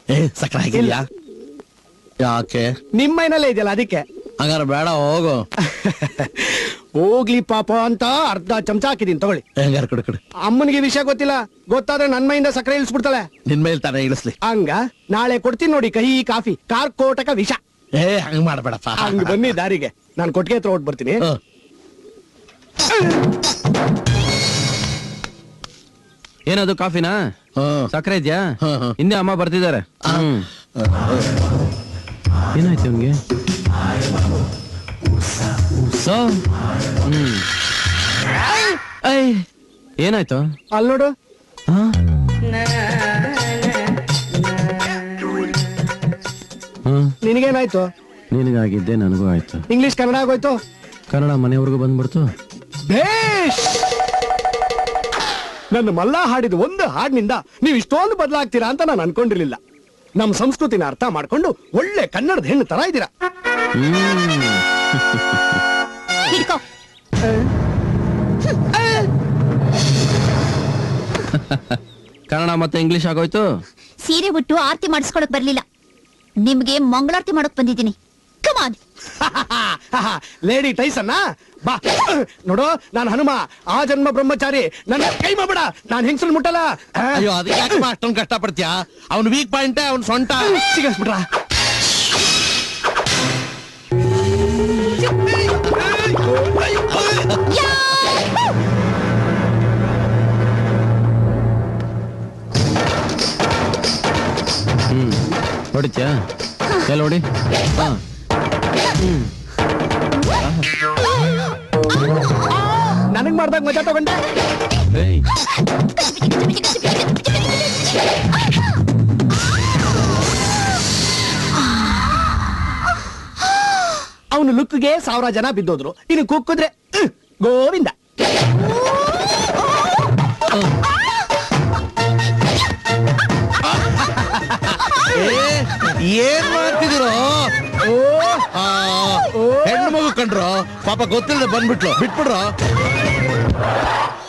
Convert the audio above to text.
ಸಕ್ಕರೆ ಹಾಕಿದ್ಯಾ? ಯಾಕೆ? ನಿಮ್ಮ ಮೈನಲ್ಲೇ ಇದೆಯಲ್ಲ ಅದಕ್ಕೆ. ಹಂಗಾರ ಬೇಡ ಹೋಗು. ಹೋಗ್ಲಿ ಪಾಪ ಅಂತ ಅರ್ಧ ಚಮಚ ಹಾಕಿದೀನಿ ತಗೊಳ್ಳಿ. ಹೆಂಗಾರ ಕೊಡು ಕೊಡು. ಅಮ್ಮನಿಗೆ ವಿಷಯ ಗೊತ್ತಿಲ್ಲ, ಗೊತ್ತಾದ್ರೆ ನನ್ ಮೈಯಿಂದ ಸಕ್ಕರೆ ಇಳಿಸ್ಬಿಡ್ತಾಳೆ. ನಿನ್ ಮೇಲೆ ತಾನೇ ಇಳಿಸ್ಲಿ. ಹಂಗ ನಾಳೆ ಕೊಡ್ತೀನಿ ನೋಡಿ ಕಹಿ ಕಾಫಿ ಕಾರ್ಕೋಟಕ ವಿಷ. ಹಂಗ್ ಮಾಡ್ಬೇಡಪ್ಪ. ಹಂಗ ಬನ್ನಿ ದಾರಿಗೆ, ನಾನು ಕೊಟ್ಟಿಗೆ ಹತ್ರ ಹೊಟ್ಟು ಬರ್ತೀನಿ. ಏನದು ಕಾಫಿನಾ? ಸಕ್ಕರೆ ಇದೆಯಾ? ಹಿಂದೆ ಅಮ್ಮ ಬರ್ತಿದ್ದಾರೆ. ಏನಾಯ್ತು ಅವನ್ಗೆ? ಏನಾಯ್ತು? ಅಲ್ಲಿ ನೋಡು. ನಿನಗೇನಾಯ್ತು? ನಿನಗಾಗಿದ್ದೆ ನನಗೂ ಆಯ್ತು. ಇಂಗ್ಲಿಷ್ ಕನ್ನಡ ಆಗೋಯ್ತು. ಕನ್ನಡ ಮನೆವರೆಗೂ ಬಂದ್ಬಿಡ್ತು. ಬೇಷ್. ನನ್ನ ಮಲ್ಲ ಹಾಡಿದ ಒಂದು ಹಾಡಿನಿಂದ ನೀವು ಇಷ್ಟೊಂದು ಬದಲಾಗ್ತೀರಾ ಅಂತ ನಾನು ಅನ್ಕೊಂಡಿರ್ಲಿಲ್ಲ. ನಮ್ಮ ಸಂಸ್ಕೃತಿನ ಅರ್ಥ ಮಾಡ್ಕೊಂಡು ಒಳ್ಳೆ ಕನ್ನಡದ ಹೆಣ್ಣು ತರ ಇದ್ದೀರಾ. ಕನ್ನಡ ಮತ್ತೆ ಇಂಗ್ಲಿಷ್ ಆಗೋಯ್ತು. ಸೀರೆ ಉಟ್ಟು ಆರತಿ ಮಾಡಿಸ್ಕೊಳಕ್ ಬರ್ಲಿಲ್ಲ, ನಿಮ್ಗೆ ಮಂಗಳಾರತಿ ಮಾಡಕ್ ಬಂದಿದ್ದೀನಿ. ಕಮಾನ್. ಲೇಡಿ ಟೈಸನ್ನ ಬಾ ನೋಡು, ನಾನು ಹನುಮ, ಆ ಜನ್ಮ ಬ್ರಹ್ಮಚಾರಿ. ನನ್ನ ಕೈ ಮಾಡಬೇಡ, ನಾನು ಹೆಂಗಸರು ಮುಟ್ಟಲ್ಲ. ಅಯ್ಯೋ ಅದಕ್ಕೆ ಯಾಕೆ ಅಷ್ಟೊಂದು ಕಷ್ಟ ಪಡ್ತೀಯಾ? ಅವ್ನು ವೀಕ್ ಪಾಯಿಂಟ್, ಅವ್ನು ಸೊಂಟ ಸಿಗಿಸ್ಬಿಟ್ರ. ಹೊಡಿತ್ಯಾ? ಎಲ್ಲ ಹೊಡಿ. ನನಗ್ ಮಾಡ್ದಾಗ ಮಜಾ ತಗೊಂಡೆ. ಅವನು ಲುಕ್ಗೆ 1000 ಜನ ಬಿದ್ದೋದ್ರು, ಇನ್ನು ಕುಕ್ಕಿದ್ರೆ ಗೋವಿಂದ. ಏನ್ ಮಾಡ್ತಿದ್ರು? ಹೆಣ್ಣು ಮಗು ಕಂಡ್ರು ಪಾಪ ಗೊತ್ತಿಲ್ಲದೆ ಬಂದ್ಬಿಟ್ಲು, ಬಿಟ್ಬಿಡ್ರು.